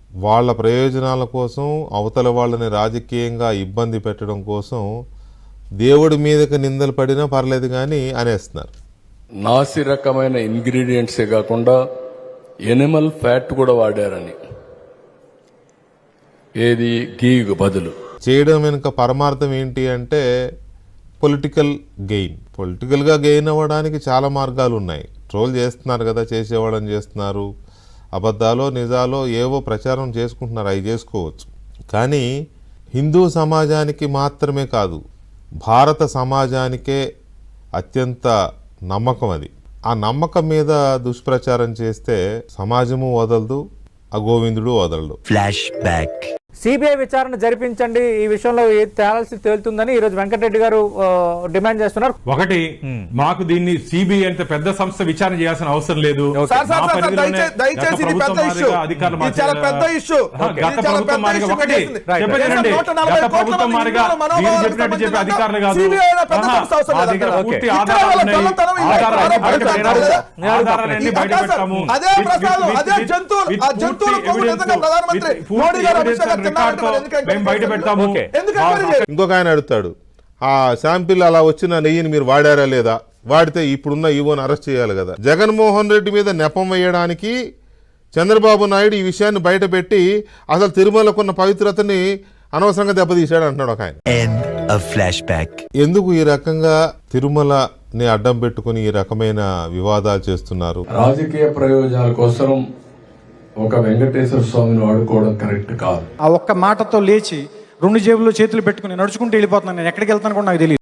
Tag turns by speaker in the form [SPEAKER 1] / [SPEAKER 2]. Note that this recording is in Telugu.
[SPEAKER 1] వాళ్ళ ప్రయోజనాల కోసం అవతల వాళ్ళని రాజకీయంగా ఇబ్బంది పెట్టడం కోసం దేవుడి మీదకి నిందలు పడినా పర్లేదు కానీ అనేస్తున్నారు.
[SPEAKER 2] నాసి రకమైన ఇంగ్రీడియంట్సే కాకుండా ఎనిమల్ ఫ్యాట్ కూడా వాడారని, ఏది గీకు బదులు
[SPEAKER 1] చేయడం వెనుక పరమార్థం ఏంటి అంటే పొలిటికల్ గెయిన్. పొలిటికల్గా గెయిన్ అవ్వడానికి చాలా మార్గాలు ఉన్నాయి. ట్రోల్ చేస్తున్నారు కదా, చేసేవాళ్ళని చేస్తున్నారు, అబద్ధాలో నిజాలో ఏవో ప్రచారం చేసుకుంటున్నారు, అవి చేసుకోవచ్చు. కానీ హిందూ సమాజానికి మాత్రమే కాదు, భారత సమాజానికే అత్యంత నమ్మకం అది. ఆ నమ్మకం మీద దుష్ప్రచారం చేస్తే సమాజము వదలదు, ఆ గోవిందుడు వదలడు.
[SPEAKER 3] Flash back.
[SPEAKER 4] సిబిఐ విచారణ జరిపించండి, ఈ విషయంలో తేలాల్సి తేలుతుందని ఈరోజు వెంకటరెడ్డి గారు డిమాండ్ చేస్తున్నారు.
[SPEAKER 5] ఒకటి, మాకు దీన్ని సిబిఐ అంటే పెద్ద సంస్థ విచారణ చేయాల్సిన అవసరం లేదు. అధికారులు కాదు, పూర్తి ఆధారాలన్నీ బయట పెట్టాము.
[SPEAKER 1] ఇంకొక ఆయన అడుగుతాడు, ఆ శాంపిల్ అలా వచ్చిన నెయ్యిని మీరు వాడారా లేదా, వాడితే ఇప్పుడున్న ఈవోని అరెస్ట్ చేయాలి కదా. జగన్మోహన్ రెడ్డి మీద నెపం వేయడానికి చంద్రబాబు నాయుడు ఈ విషయాన్ని బయట పెట్టి అసలు తిరుమలకున్న పవిత్రతని అనవసరంగా దెబ్బతీశాడు అంటున్నాడు ఒక ఆయన. ఎందుకు ఈ రకంగా తిరుమలని అడ్డం పెట్టుకుని ఈ రకమైన వివాదాలు చేస్తున్నారు?
[SPEAKER 2] రాజకీయ ప్రయోజనాల కోసం ఒక వెంకటేశ్వర స్వామిని వాడుకోవడం కరెక్ట్ కాదు.
[SPEAKER 6] ఆ ఒక్క మాటతో లేచి 2 జేబుల్లో చేతులు పెట్టుకుని నడుచుకుంటూ వెళ్ళిపోతున్నాను. నేను ఎక్కడికి వెళ్తాను కూడా నాకు తెలియదు.